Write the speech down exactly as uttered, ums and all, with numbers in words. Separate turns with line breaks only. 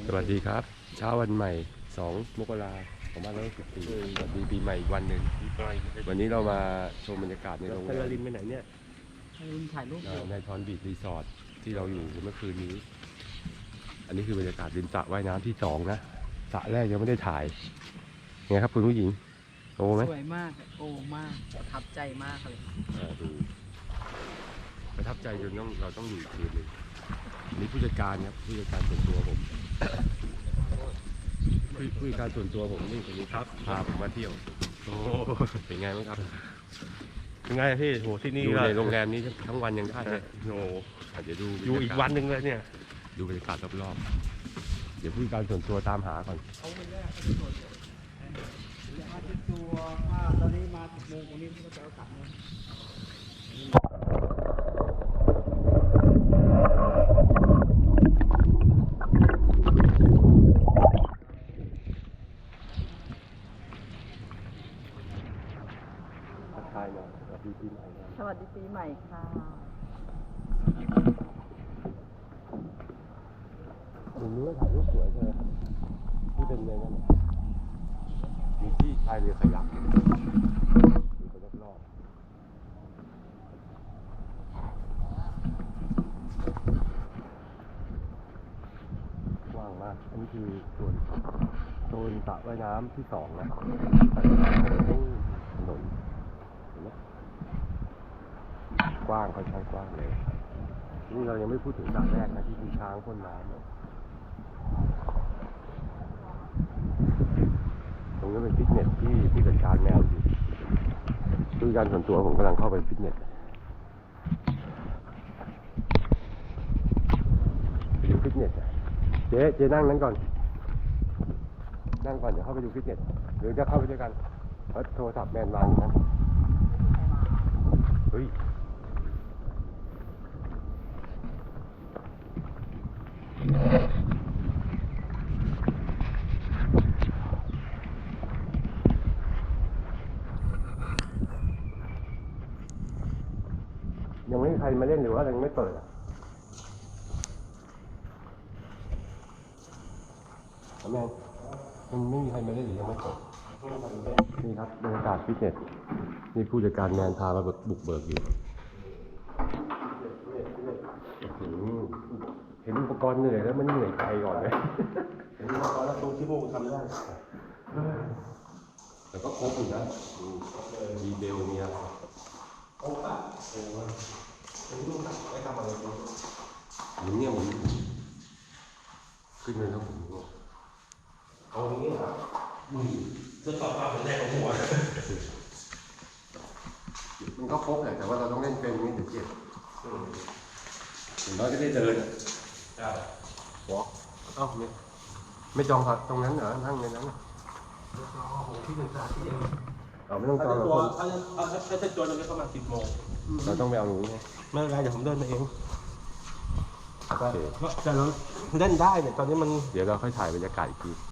สวัสดีครับเช้าวันใหม่สองมกราคมสองพันห้าร้อยหกสิบสี่สวัสดีปีใหม่อีกวันหนึ่งวันนี้เรามาชมบรรยากาศในโรงแรม
ลินไปไหนเนี่ยลินถ่ายรูป
ในทอนบีชรีสอร์ทที่เราอยู่เมื่อคืนนี้อันนี้คือบรรยากาศริมสระว่ายน้ำที่สองนะสระแรกยังไม่ได้ถ่ายไงครับคุณผู้หญิงโอ้ไหม
สวยมากโอ้มากประทับใจมากเลย
อ่าดูประทับใจจนต้องเราต้องอยู่อีกคืนหนึ่งนี่ผู้จัดการครับผู้จัดการส่วนตัวผมผู้ผู้จัดการส่วนตัวผมนี่คนนี้ครับพาผมมาเที่ยวโอ้เป็นไงบ้างครับ
ยังไงพี่โหที่นี่
อยู่ในโรงแรมนี้ทั้งวันยังได้เลย
โอ้
อาจจะดู
อยู่อีกวันหนึ่งเลยเนี่ย
ดูบรรยากาศรอบๆเดี๋ยวผู้จัดการส่วนตัวตามหาก่อน
เอาไปแรกเอาไปตรวจมาติดตัวว่าตอนนี้มาสิบโมงวันนี้ก็จะเอากลับเลย
ทักทายหน่อยสวัสดีปีใหม่นะ
สวัสดีปีใหม่ค่ะ
ตรงนี้ก็ถ่ายรูปสวยใช่ไหมที่เป็นในนั้นมีที่พายเรือขยักดูไปรอบๆกว้างมากอันนี้คือส่วนโซนสระว่ายน้ำที่สองนะถนนเห็นไหมกว้างค่อนข้างกว้างเลยนี่เรายังไม่พูดถึงสระแรกนะที่มีช้างพ่นน้ำตรงนี้เป็นฟิตเนสที่ที่จัดการแมวอยู่คือการส่วนตัวผมกำลังเข้าไปฟิตเนสไปดูฟิตเนสเจ๊เจ๊นั่งนั้นก่อนนั่งก่อนเดี๋ยวเข้าไปดูฟิตเนสหรือจะเข้าไปด้วยกันเพราะโทรศัพท์แมนวางอยู่นั้นเฮ้ยยังไม่มีใครมาเล่นหรือว่ายังไม่เปิดอ่ะแมนมันไม่มีใครมาเล่นหรือยังไม่เปิดนี่ครับบรรยากาศฟิตเนสนี่ผู้จัดการแมนพามาบุกเบิกอยู่เห็นอุปกรณ์เหนื่อยแล้วมันเหนื่อยใจก่อนเลยเห็นอุปกรณ์แล้วตรงที่พวกทำได้แต่ก็ครบอยู่นะมีเบลมีอะไรครบอ่ะเออว่าเป็นลูกหนักไม่ทำอะไรเลยหมุนเนี่ยหมุนขึ้นเลยแล้วหมุนเอาอย่างนี้เหรออืมจะต่อมาเป็นแรกของหัวมันก็ครบแหละแต่ว่าเราต้องเล่นเป็นนี่ถึงเจ็บถึงน้อยก็ได้เดินอ่ะวอล์กเอ้าไม่ไม่จองครับตรงนั้นเหรอนั่งในนั้นที่หนึ่งสาที่เองเราไม่ต้องจองหรอกคนถ้าถ้าจะจองเราจะเข้ามาสิบโมงเราต้องไปเอาหนูไงไม่เป็นไรเดี๋ยวผมเดินมาเองโอเคแต่เราเล่นได้เนี่ยตอนนี้มันเดี๋ยวเราค่อยถ่ายบรรยากาศอีกที